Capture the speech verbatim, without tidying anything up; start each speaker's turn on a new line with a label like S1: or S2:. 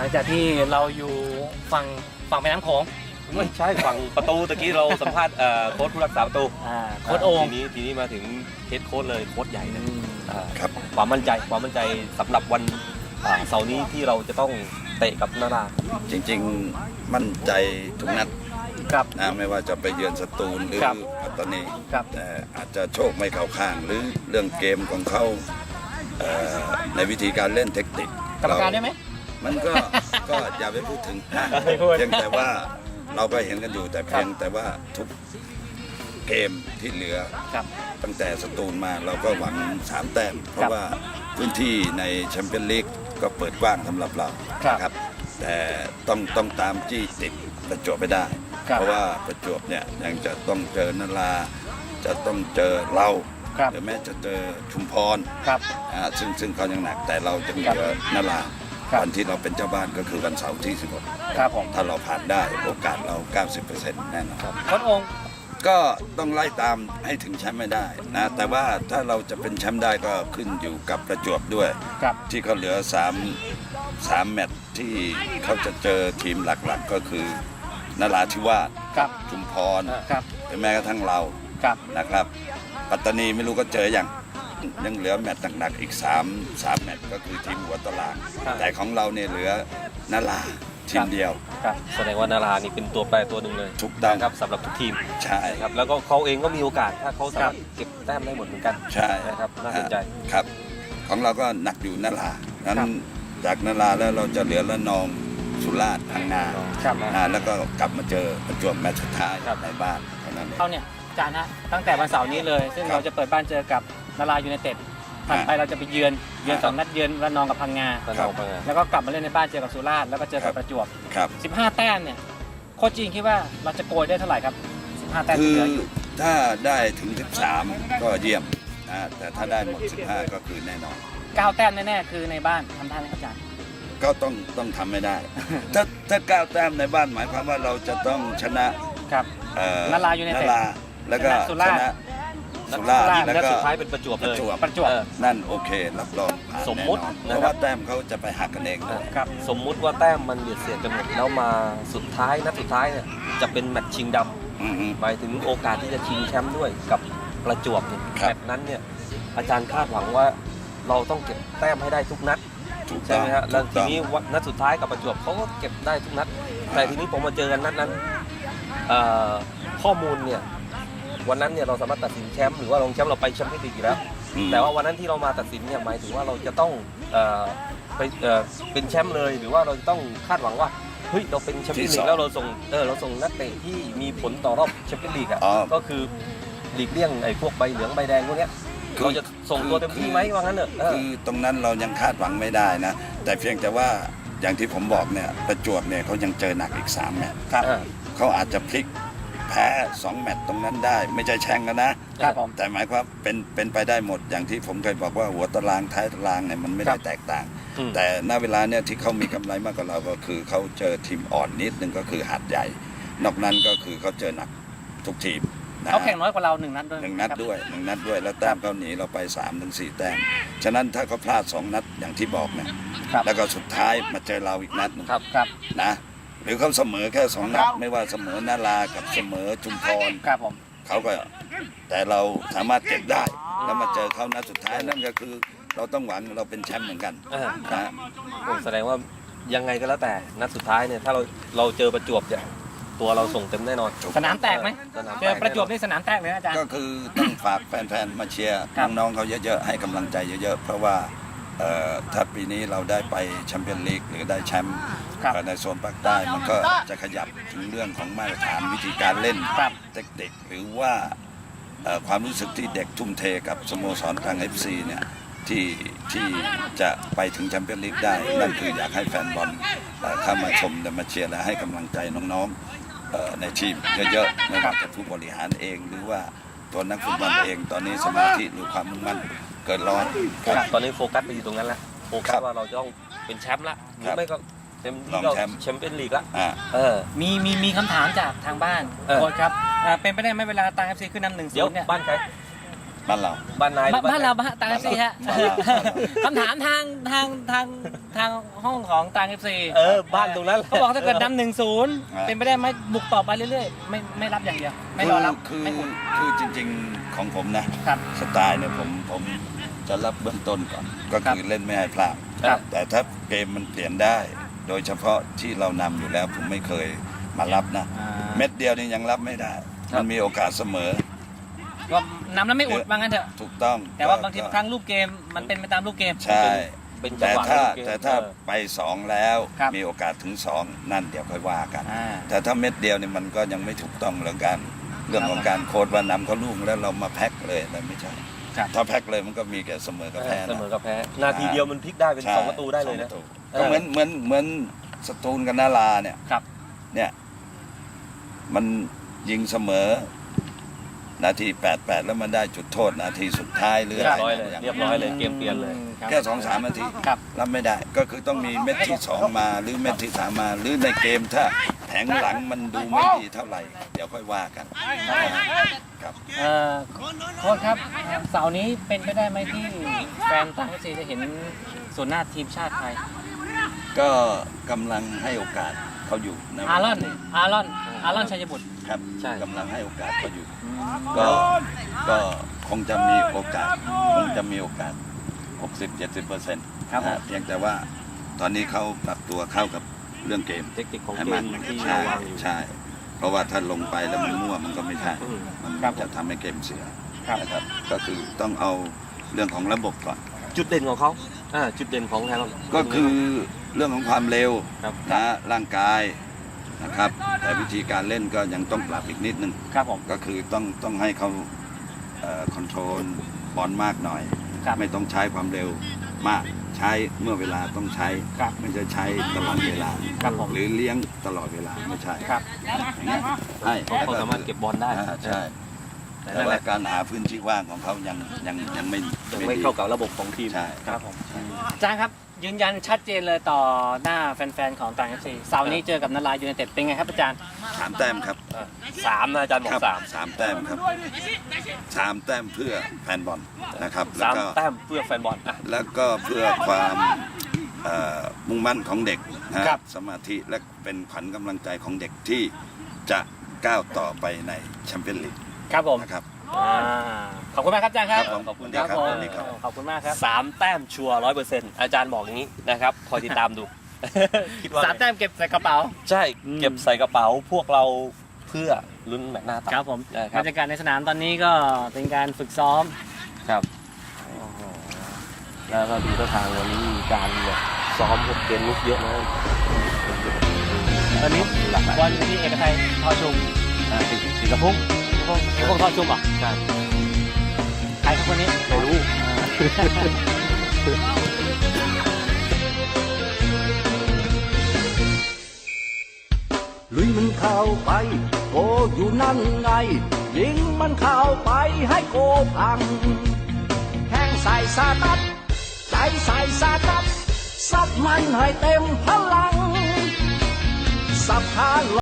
S1: ลังจากที่เราอยู่ฝั่งฝั่งแม่น้ำโขง
S2: ไม่ใช่ฝั่งประตูตะกี้เราสัมภาษณ์โค้ชผู้รักษาประตู
S1: โค้ชโอ่ง
S2: ทีนี้ทีนี้มาถึงเฮดโค้ชเลยโค้ชใหญ่เลย
S3: ครับ
S2: ความมั่นใจความมั่นใจสำหรับวันเสาร์นี้ที่เราจะต้องเตะกับนารา
S3: จริงๆมั่นใจทุกนัด
S1: ครับ
S3: นะไม่ว่าจะไปเยือนสตูลหรือ
S1: ครับ
S3: ปัตตานี
S1: ครับ
S3: แต่อาจจะโชคไม่เข้าข้างหรือเรื่องเกมของเขาเอ่อในวิธีการเล่นเทคนิค
S1: กรรมการได้ไหม
S3: มันก็ ก็อย่าไปพูดถึงนะ
S1: ไม่พูด
S3: เพียงแต่ว่าเราก็เห็นกันอยู่แต่เพียงแต่ว่าทุกเกมที่เหลือ
S1: ครับ
S3: ตั้งแต่สตูลมาเราก็หวังสามแต้มเพราะว่าพื้นที่ในแชมเปี้ยนลีกก็เปิดกว้างสำหรับเรา
S1: ครับ
S3: นะครับแต่ต้องต้องตามจี้ติดประจวบไม่ได้
S1: ครับ
S3: เพราะว่าประจวบเนี่ยยังจะต้องเจอนราจะต้องเจอเรา
S1: ครับ
S3: หรือแม้จะเจอชุมพร
S1: ครับ
S3: อ่าซึ่งซึ่งเขายังหนักแต่เราจะเหลือนรา
S1: ครับ
S3: วันที่เราเป็นเจ้าบ้านก็คือวันเสาร์ที่สิบหก
S1: ครับผม
S3: ถ้าเราผ่านได้โอกาสเรา เก้าสิบเปอร์เซ็นต์ แน่นอน
S1: โค้ชโอ่ง
S3: ก็ต้องไล่ตามให้ถึงแชมป์ไม่ได้นะแต่ว่าถ้าเราจะเป็นแชมป์ได้ก็ขึ้นอยู่กับประจวบด้วย
S1: ครับ
S3: ที่เขาเหลือสาม สามแมตช์ที่เขาจะเจอทีมหลักๆ ก็คือนราธิวาส
S1: ครับ
S3: ชุมพร
S1: ครับ
S3: หรือแม้กระทั่งเรา
S1: ครับ
S3: นะครับ ปัตตานีไม่รู้ก็เจออย่างยังเหลือแมตช์หนักๆอีก3 3แมตช์ก็คือทีมหัวตาราง
S1: ครับ
S3: แต่ของเราเนี่ยเหลือนราทีมเดียว
S1: ครับ
S2: แสดงว่านารานี่เป็นตัวแปรตัวหนึ่งเลย
S3: ถูกต้อง
S2: นะครับสำหรับทุกทีม
S3: ใช่
S2: นะครับแล้วก็เขาเองก็มีโอกาสถ้าเขาสามารถเก็บแต้มได้หมดเหมือนกัน
S3: ใช่
S2: นะครับน่าสนใจ
S3: ครับของเราก็หนักอยู่นรานั้น
S1: ครับ
S3: จากนราแล้วเราจะเหลือละนองสุราษฎร์พังงา
S1: ครับ
S3: อ่าแล้วก็กลับมาเจอประจวบแมตช์สุดท้าย
S2: ครับ
S3: ในบ้านเท่านั้นเอง
S1: เขาเนี่ยอาจารย์ฮะตั้งแต่วันเสาร์นี้เลย ซึ่ง
S3: ครับ
S1: เราจะเปิดบ้านเจอกับนารายูไนเต็ดถัดไปเราจะไปเยือนเยือนสองนัดเยือนระนองกับพังงา
S2: นาราพังงา
S1: แล้วก็กลับมาเล่นในบ้านเจอกับสุราษฎร์แล้วก็เจอกับประจวบ
S3: ครับ
S1: สิบห้า แต้มเนี่ยโค้ชจีนคิดว่าเราจะโกยได้เท่าไหร่ครับสิบห้า แต้ม
S3: คื
S1: ที่
S3: อ
S1: เหลืออยู่
S3: ถ้าได้ถึงสิบสามก็เยี่ยมนะแต่ถ้าได้หมดสิบห้าก็คือแน่นอน
S1: เก้าแต้มแน่ๆคือในบ้านทำได้ไหมครับอาจารย์
S3: ก็ต้องต้องทำไม่ได้ ถ้าถ้าก้าวแต้มในบ้านหมายความว่าเราจะต้องชนะครับ เอ่อน
S1: รายูไนเต็ด
S3: นราแล้วก็
S1: ชนะสุราษฎร์
S3: ชนะสุราษฎร์
S1: สุราษฎร์
S3: แล้ว
S2: และ
S3: ก็
S2: สุดท้ายเป็นประจวบ
S3: ป
S2: เล
S3: ระ
S2: ย
S3: จวบ
S1: ประจวบ
S2: เออ
S3: นั่นโอเค รับรองผ่าน
S2: สมมุติ
S3: แน่นอน
S2: นะครับ
S3: เพราะว่าแต้มเขาจะไปหักกันเองด้วย
S1: ครับ
S2: สมมุติว่าแต้มมันเบียดเสียดกันหมดแล้วมาสุดท้ายนัดสุดท้ายเนี่ยจะเป็นแมตช์ชิงด
S3: อือฮึ
S2: ำหมายถึงโอกาสที่จะชิงแชมป์ด้วยกับประจวบเนี่ย
S3: ครับ
S2: แมตช์นั้นเนี่ยอาจารย์คาดหวังว่าเราต้องเก็บแต้มให้ได้ทุกนัด
S3: ถูก
S2: ใช่
S3: ต้อง
S2: ไหมฮะแล้ว
S3: ถูก
S2: ที
S3: ต้อง
S2: นี้วันนัดสุดท้ายกับประจวบเขาก็เก็บได้ทุกนัด แต่ทีนี้ผมมาเจอกันนัดนั้นเอ่อข้อมูลเนี่ยวันนั้นเนี่ยเราสามารถตัดสินแชมป์หรือว่ารองแชมป์เราไปแชมเปี้ยนลีกอยู่แล้ว
S3: อืม
S2: แต่ว่าวันนั้นที่เรามาตัดสินเนี่ยหมายถึงว่าเราจะต้องเอ่อไปเอ่อเป็นแชมป์เลยหรือว่าเราจะต้องคาดหวังว่าเฮ้ยเราเป็นแชมเปี้ยนลีกแล้วเราส่งเออเราส่งนักเตะที่มีผลต่อรอบแชมเปี้ยนลีกอ่ะ
S3: อ๋อ
S2: ก็คือหลีกเลี่ยงไอ้พวกใบเหลืองใบแดงพวกเนี้ย
S3: คือ
S2: เราจะส่งตัวเต็มที่ไหมว่างั้นเถอะเออ
S3: คือตรงนั้นเรายังคาดหวังไม่ได้นะ แต่เพียงแต่ว่าอย่างที่ผมบอกเนี่ยประจวบเนี่ยเขายังเจอหนักอีกสามแมตช์
S2: ครับ
S3: เขาอาจจะพลิกแพ้สองแมตช์ตรงนั้นได้ ไม่ใช่แช่งกันนะ
S1: ครับผม
S3: แต่หมายความเป็นเป็นไปได้หมดอย่างที่ผมเคยบอกว่าหัวตารางท้ายตารางเนี่ยมันไม่ได้แตกต่าง
S2: อืม
S3: แต่ณเวลาเนี่ยที่เขามีกำไรมากกว่าเราก็คือเขาเจอทีมอ่อนนิดนึงก็คือหาดใหญ่ นอกนั้นก็คือเขาเจอหนักทุกทีมนะ
S1: เขาแข่งน้อยกว่าเราหนึ่งนัดด้วย
S3: หนึ่งนัด
S1: ครับ
S3: ด้วยหนึ่งนัดด้วยแล้วแต้มเขาหนีเราไปสามถึงสี่แต้มฉะนั้นถ้าเขาพลาดสองนัดอย่างที่บอกเนี่ย
S1: ครับ
S3: แล้วก็สุดท้ายมาเจอเราอีกนัดหนึ่ง
S2: ครับ
S1: ครับ
S3: นะหรือเขาเสมอแค่สองนัดไม่ว่าเสมอนารากับเสมอชุมพร
S1: ครับผม
S3: เขาก็แต่เราสามารถเก็บได้ แล้วมาเจอเขานัดสุดท้ายนั่นก็คือเราต้องหวังเราเป็นแชมป์เหมือนกัน
S2: เออ
S3: นะ
S2: โอ้แสดงว่ายังไงก็แล้วแต่นัดสุดท้ายเนี่ยถ้าเราเราเจอประจวบเนี่ยตัวเราส่งเต็มแน่นอน
S1: สนามแตกไหม
S2: สนาม
S1: เจอประจวบนี่สนามแตกเลยนะอาจารย์
S3: ก็คือต้องฝากแฟนๆมาเชียร์
S1: ครับ
S3: น้องๆเขาเยอะๆให้กำลังใจเยอะๆเพราะว่าเอ่อถ้าปีนี้เราได้ไปแชมเปี้ยนลีกหรือได้แชมป์
S1: ครับ
S3: ในโซนภาคใต้มันก็จะขยับถึงเรื่องของมาตรฐานวิธีการเล่น
S1: ครับ
S3: เด็กๆหรือว่าเอ่อความรู้สึกที่เด็กทุ่มเทกับสโมสรทาง เอฟ ซี เนี่ยที่ที่จะไปถึงแชมเปี้ยนลีกได้ นั่นคืออยากให้แฟนบอลเอ่อเข้ามาชมและมาเชียร์และให้กำลังใจน้องๆเอ่อในทีมเยอะๆไม่ว่าจะผู้บริหารเอง หรือว่าตัวนักฟุตบอลเองตอนนี้สมาธิหรือความมุ่งมั่นเกิดร้อน
S2: ครับตอนนี้โฟกัสไปอยู่ตรงนั้นละโฟกั
S3: ครั
S2: ส
S3: บ
S2: ว่าเราจะต้องเป็นแชมป์ละหรื
S3: ครั
S2: อบ ไม่ก็เต็ม
S3: รอ
S2: ที่
S3: ง
S2: ก็
S3: แชมป์
S2: แชมเปี้ยนลีกละ
S3: อ่า
S2: เออ
S1: มีมีมีคำถามจากทางบ้าน
S2: เออ
S1: โค้ชครับอ่าเป็นไปได้ไหมเวลาตังเอฟซีขึ้นนำหนึ่งศู
S2: เดี๋ยวน
S1: ย์เนี่ย
S2: บ้านใคร
S3: บ้านเรา
S2: บ้านนาย
S1: บ้านบ้านเราบ้านตางเอฟซีฮะ
S3: บ้านเรา
S1: คำถามทางทางทางทางห้องของตางเอฟซี
S2: เออบ้านตรงนั้น
S1: เขาบอกถ้าเกิดนำหนึ่งศูนย์
S3: อ่า
S1: เป็นไปได้ไหมบุกต่อไปเรื่อยๆไม่ไม่รับอย่างเดียวไม่รอรับ
S3: คือ
S1: ไม่อุ่น
S3: คือจริงๆของผมนะครับ สไตล์เนี่ยผมผมจะรับเบื้องต้นก่อน ก็คือเล่นไม่ให้พลาด
S1: ครับ
S3: แต่ถ้าเกมมันเปลี่ยนได้ โดยเฉพาะที่เรานำอยู่แล้วผมไม่เคยมารับนะ
S1: อ่า
S3: เม็ดเดียวนี่ยังรับไม่ได้ มันมีโอกาสเสมอ
S1: ก็นำแล้วไม่อุดว่างั้นเถอะ
S3: ถูกต้อง
S1: แต่ว่าบางที
S3: ก็
S1: ครั้งรูปเกมมันเป็นไปตามรูปเกม
S3: ใช่
S2: เป็นจัง
S3: แต่
S2: หวะ
S3: ถ้า
S2: เกม
S3: แต่ถ้า
S2: เออ
S3: ไปสองแล้ว
S1: ครับ
S3: มีโอกาสถึงสองนั่นเดี๋ยวค่อยว่ากัน
S1: อ่า
S3: แต่ถ้าเม็ดเดียวเนี่ยมันก็ยังไม่ถูกต้องเรื่องการเรื่องของการโค้ดว่านำเขาลูกแล้วเรามาแพ็คเลยนั่นไม่ใช่
S1: ครับ
S3: ถ้าแพ็คเลยมันก็มีแก่เสมอกับแพ้
S2: เส
S3: นะ
S2: มอกับแพ้ นาทีเดียวมันพลิกได้เป็น
S3: ใช่
S2: สองประตูได้เลยนะ
S3: สองปร
S2: เออ
S3: ก็เหมือนเหมือนเหมือนสตูลกับนาราเนี่ย
S1: ครับ
S3: เนี่ยมันยิงเสมอ นาทีแปดแปดแล้วมันได้จุดโทษนาทีสุดท้ายเรื่
S2: เรียบร้อยเลยเรียบร้อยเลยเกมเปลี่ยนเลย
S1: ครับ
S3: แค่สองสามนาที
S1: ครับ
S3: รับไม่ได้ ก็คือต้องมีเม็ดที่สองมาหรือเม็ดที่สามมา หรือในเกมถ้าแผงหลังมันดูไม่ดีเท่าไหร่ เดี๋ยวค่อยว่ากันครับ
S1: เอ่อโค้ชครับเสาร์นี้เป็นไปได้ไหมที่แฟนต่างประเทศจะเห็นส่วนหน้าทีมชาติไทย
S3: ก็กำลังให้โอกาสเขาอยู่ในเว
S1: อา
S3: ล
S1: รอน
S3: นี้
S1: อารอนอารอนชัยบุตร
S3: ครับ
S2: ใช่
S3: กำลังให้โอกาสเขาอยู่ ก็ก็คงจะมีโอกาสคงจะมีโอกาส หกสิบเจ็ดสิบเปอร์เซ็นต์
S1: ครับผม
S3: เพียงแต่ว่าตอนนี้เขาปรับตัวเข้ากับเรื่องเกม
S2: เทคนิคของ
S3: ให้
S2: เก
S3: มัน
S2: มที่
S3: ใช่
S2: เราวางอยู่
S3: ใช่ เพราะว่าถ้าลงไปแล้วมันมั่วมันก็ไม่ใช่
S2: อืม
S3: มัน
S1: ครับ
S3: จะทำให้เกมเสีย
S1: ครับ
S3: นะครับก็คือต้องเอาเรื่องของระบบก่อน
S2: จุดเด่นของเขาอ่าจุดเด่นของแฮร์รอน
S3: ก็คือเรื่องของความเร็ว
S2: ครับ
S3: นะร่างกายนะครับ แต่วิธีการเล่นก็ยังต้องปรับอีกนิดนึง
S1: ครับผม
S3: ก็คือต้องต้องให้เขาคอนโทรลบอลมากหน่อย
S1: ครับ
S3: ไม่ต้องใช้ความเร็วมากใช้เมื่อเวลาต้องใช้
S1: ครับ
S3: ไม่ใช่ใช้ตลอดเวลา
S1: ครับผม
S3: หรือเลี้ยงตลอดเวลาไม่ใช่
S1: ครับ
S3: อย่างเงี้ยให้
S2: เขาเขาสามารถเก็บบอลได้
S3: อ่าใช่
S2: แต่
S3: แต่
S2: นั่นแห
S3: ว่า
S2: ละ
S3: การหาพื้นที่ว่างของเขายังยังยังไม่
S2: ยังไม่เข้ากับระบบของทีม
S3: ใช่
S1: ครับผมอาจารย์ครับยืนยันชัดเจนเลยต่อหน้าแฟนๆของต่างเอฟซีเสาร์นี้เจอกับนารายยูไนเต็ดเป็นไงครับอาจารย์
S3: สามแต้มครับ
S2: สามนะอาจารย์บอ
S3: ครั
S2: กสาม
S3: สามแต้มครับสามแต้มเพื่อแฟนบอลนะครับแล้
S2: สาว ม
S3: ก็
S2: แต้มเพื่อแฟนบอลอ่ะ
S3: แล้วก็เพื่อความเอ่อมุ่งมั่นของเด็กนะครับ สมาธิและเป็นขวัญกำลังใจของเด็กที่จะก้าวต่อไปในแชมเปี้ยนลีก
S1: ครับผม
S3: นะครับ
S1: อ่าขอบคุณมากครับอาจารย์ครับ
S3: ครับผม
S2: ขอบคุณ
S3: ครับ
S1: ผม
S3: สวัสดีครับ
S1: ขอบคุณมากครับ
S2: สามแต้มชัวร์ร้อยเปอร์เซ็นต์อาจารย์บอกอย่างนี้นะครับคอยติดตามดู คิดว่า
S1: สามแต้มเก็บใส่กระเป๋า
S2: ใช่
S1: อืม
S2: เก็บใส่กระเป๋าพวกเราเพื่อลุ้นแมตช์หน้าต่อ
S1: ครับผม
S2: ได้ครับ
S1: บรรยากาศในสนามตอนนี้ก็เป็นการฝึกซ้อม
S2: ครับแล้วก็ดูท่าทางวันนี้มีการแบบซ้อมพวกเกมลุกเยอะนะ
S1: ตอนนี้
S2: หลากหลาย
S1: บอลอยู่ที่เอกชัยทอชุม
S2: อ่าสีสีกระพุ่ง
S1: พวกพวกทอชุมเหรอ่ะ
S2: ใช่
S1: ใครครับคนนี้
S2: ไม่รู้
S4: ลุยมันเข้าไปโกอยู่นั่นไง ยิงมันเข้าไปให้โกพังแข้งใส่สาดัดใจใส่สาดัดซัดมันให้เต็มพลังสับขา